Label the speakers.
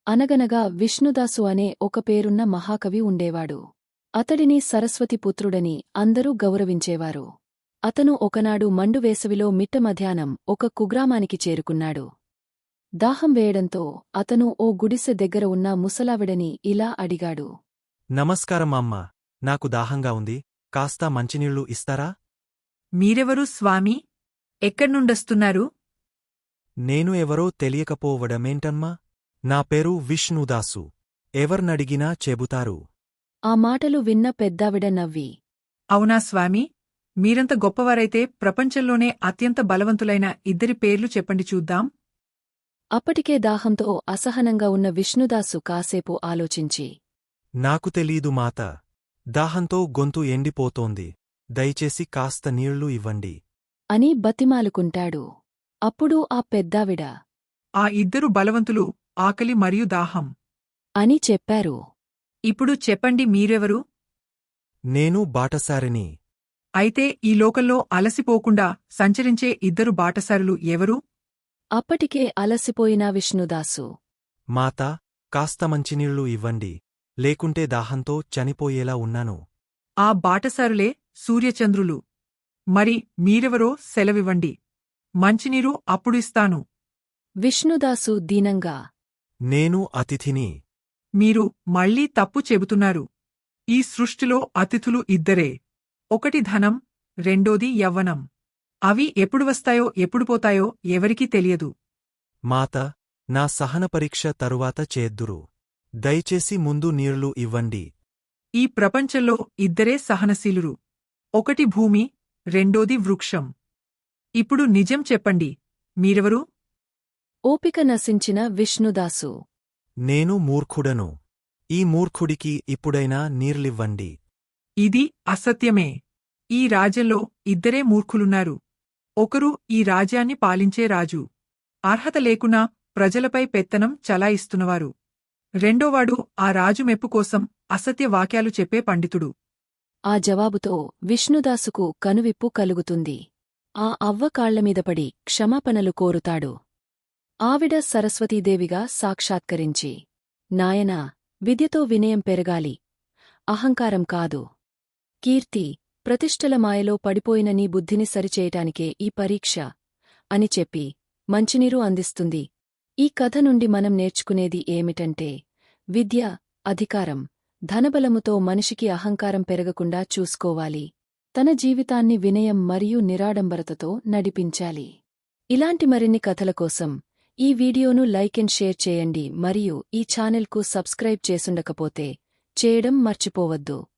Speaker 1: అనగనగా విష్ణుదాసు అనే ఒక పేరున్న మహాకవి ఉండేవాడు. అతడిని సరస్వతిపుత్రుడని అందరూ గౌరవించేవారు. అతను ఒకనాడు మండు వేసవిలో మిట్ట మధ్యాహ్నం ఒక కుగ్రామానికి చేరుకున్నాడు. దాహం వేయడంతో అతను ఓ గుడిసె దగ్గర ఉన్న ముసలావిడని ఇలా అడిగాడు.
Speaker 2: నమస్కారం అమ్మా, నాకు దాహంగా ఉంది, కాస్త మంచినీళ్లు ఇస్తారా?
Speaker 3: మీరెవరు స్వామీ? ఎక్కడ్నుండొస్తున్నారు?
Speaker 2: నేను ఎవరో తెలియకపోవడమేంటమ్మా? నా పేరు విష్ణుదాసు. ఎవర్నడిగినా చెబుతారు.
Speaker 1: ఆ మాటలు విన్న పెద్దావిడ నవ్వి,
Speaker 3: అవునా స్వామీ? మీరంత గొప్పవారైతే ప్రపంచంలోనే అత్యంత బలవంతులైన ఇద్దరి పేర్లు చెప్పండి చూద్దాం.
Speaker 1: అప్పటికే దాహంతో అసహనంగా ఉన్న విష్ణుదాసు కాసేపు ఆలోచించి,
Speaker 2: నాకు తెలీదు మాత. దాహంతో గొంతు ఎండిపోతోంది. దయచేసి కాస్త నీళ్లు ఇవ్వండి
Speaker 1: అని బతిమాలుకుంటాడు. అప్పుడు ఆ పెద్దావిడ,
Speaker 3: ఆ ఇద్దరు బలవంతులు ఆకలి మరియు దాహం.
Speaker 1: అని చెప్పారు.
Speaker 3: ఇప్పుడు చెప్పండి మీరెవరు?
Speaker 2: నేను బాటసారిని.
Speaker 3: అయితే ఈ లోకంలో అలసిపోకుండా సంచరించే ఇద్దరు బాటసారులు ఎవరు?
Speaker 1: అప్పటికే అలసిపోయిన విష్ణుదాసు,
Speaker 2: మాతా, కాస్త మంచినీళ్లు ఇవ్వండి, లేకుంటే దాహంతో చనిపోయేలా ఉన్నాను.
Speaker 3: ఆ బాటసారులే సూర్యచంద్రులు. మరి మీరెవరో సెలవివ్వండి. మంచినీరు అప్పుడు ఇస్తాను.
Speaker 1: విష్ణుదాసు దీనంగా,
Speaker 2: నేను అతిథిని.
Speaker 3: మీరు మళ్ళీ తప్పు చెబుతున్నారు. ఈ సృష్టిలో అతిథులు ఇద్దరే. ఒకటి ధనం, రెండోది యవ్వనం. అవి ఎప్పుడు వస్తాయో ఎప్పుడు పోతాయో ఎవరికీ తెలియదు.
Speaker 2: మాత, నా సహన పరీక్ష తరువాత చేద్దురు. దయచేసి ముందు నీళ్లు ఇవ్వండి.
Speaker 3: ఈ ప్రపంచంలో ఇద్దరే సహనశీలురు. ఒకటి భూమి, రెండోది వృక్షం. ఇప్పుడు నిజం చెప్పండి, మీరెవరు?
Speaker 1: ఓపిక నశించిన విష్ణుదాసు,
Speaker 2: నేను మూర్ఖుడను. ఈ మూర్ఖుడికి ఇప్పుడైనా నీర్లివ్వండి.
Speaker 3: ఇది అసత్యమే. ఈ రాజ్యంలో ఇద్దరే మూర్ఖులున్నారు. ఒకరు ఈ రాజ్యాన్ని పాలించే రాజు, అర్హత లేకున్నా ప్రజలపై పెత్తనం చలాయిస్తున్నవారు. రెండోవాడు ఆ రాజు మెప్పు కోసం అసత్య వాక్యాలు చెప్పే పండితుడు.
Speaker 1: ఆ జవాబుతో విష్ణుదాసుకు కనువిప్పు కలుగుతుంది. ఆ అవ్వ కాళ్లమీదపడి క్షమాపణలు కోరుతాడు. ఆవిడ సరస్వతీదేవిగా సాక్షాత్కరించి, నాయనా, విద్యతో వినయం పెరగాలి, అహంకారం కాదు. కీర్తి, ప్రతిష్టల మాయలో పడిపోయిన నీ బుద్ధిని సరిచేయటానికే ఈ పరీక్ష అని చెప్పి మంచినీరు అందిస్తుంది. ఈ కథ నుండి మనం నేర్చుకునేది ఏమిటంటే, విద్య, అధికారం, ధనబలముతో మనిషికి అహంకారం పెరగకుండా చూసుకోవాలి. తన జీవితాన్ని వినయం మరియు నిరాడంబరతతో నడిపించాలి. ఇలాంటి మరిన్ని కథల కోసం ఈ వీడియోను లైక్ అండ్ షేర్ చేయండి మరియు ఈ ఛానెల్కు సబ్స్క్రైబ్ చేసుండకపోతే చేయడం మర్చిపోవద్దు.